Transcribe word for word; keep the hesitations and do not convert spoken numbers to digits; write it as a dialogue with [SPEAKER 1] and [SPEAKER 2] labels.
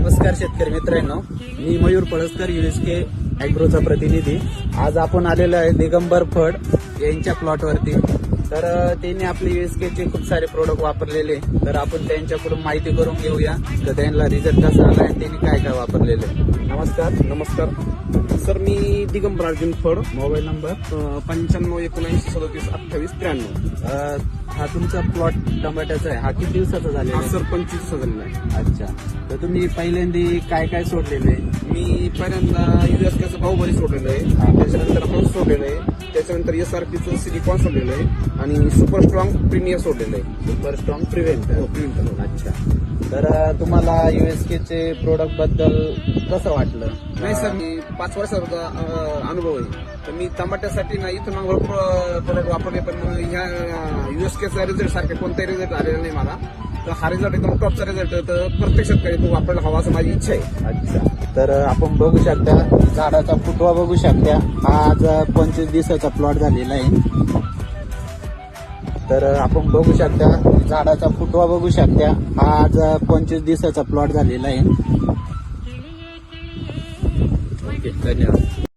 [SPEAKER 1] नमस्कार शेतकरी मित्रांनो, मी मयूर पळसकर युएसके ॲग्रोचा प्रतिनिधी. आज आपण आलेलो आहे दिगंबर फड यांच्या प्लॉटवरती. तर त्यांनी आपले युएसकेचे खूप सारे प्रोडक्ट वापरलेले, तर आपण त्यांच्याकडून माहिती करून घेऊया तर त्यांना रिझल्ट कसा आला आणि त्यांनी काय काय वापरलेले. नमस्कार.
[SPEAKER 2] नमस्कार सर, मी दिगंबर अर्जुन फड,
[SPEAKER 1] मोबाईल नंबर
[SPEAKER 2] पंच्याण्णव एकोणऐंशी सदतीस अठ्ठावीस त्र्याण्णव.
[SPEAKER 1] अ, हा तुमचा प्लॉट टमाट्याचा आहे. हा किती दिवसाचा झालेला
[SPEAKER 2] हा
[SPEAKER 1] आहे?
[SPEAKER 2] सर पंचवीस झालेला आहे.
[SPEAKER 1] अच्छा, तर तुम्ही पहिल्यांदा काय काय सोडलेले?
[SPEAKER 2] मी पहिल्यांदा युएसकेचं बाहुबली सोडलेलं आहे, त्याच्यानंतर हंस सोडलेलं आहे, त्याच्यानंतर एस आर पीचं सिलिकॉन सोडलेलं आहे आणि सुपर स्ट्रॉंग प्रीमियर सोडलेलं आहे.
[SPEAKER 1] Super strong prevent.
[SPEAKER 2] प्रिंटर.
[SPEAKER 1] अच्छा, तर अ, तुम्हाला युएसकेचे प्रोडक्ट बद्दल कसं वाटलं?
[SPEAKER 2] नाही सर, मी पाच वर्षाचा अं, अनुभव आहे. तर मी टमाट्यासाठी ना इथं मग भरपूर प्रोडक्ट वापरले, पण मग ह्या युएसकेचा रिझल्ट सारखे कोणताही रिझल्ट आलेला नाही मला. तर हा रिझल्ट एकदम टॉपचा रिझल्ट, तर प्रत्येक शेतकरी तो वापरायला हवा असं माझी इच्छा आहे.
[SPEAKER 1] अच्छा, तर अ, आपण बघू शकता झाडाचा फुटवा बघू शकता. हा आज पंचवीस दिवसाचा प्लॉट झालेला आहे. तर अ, आपण बघू शकता झाडाचा फुटवा बघू शकता. हा आज पंचवीस दिवसाचा प्लॉट झालेला आहे. ओके, धन्यवाद.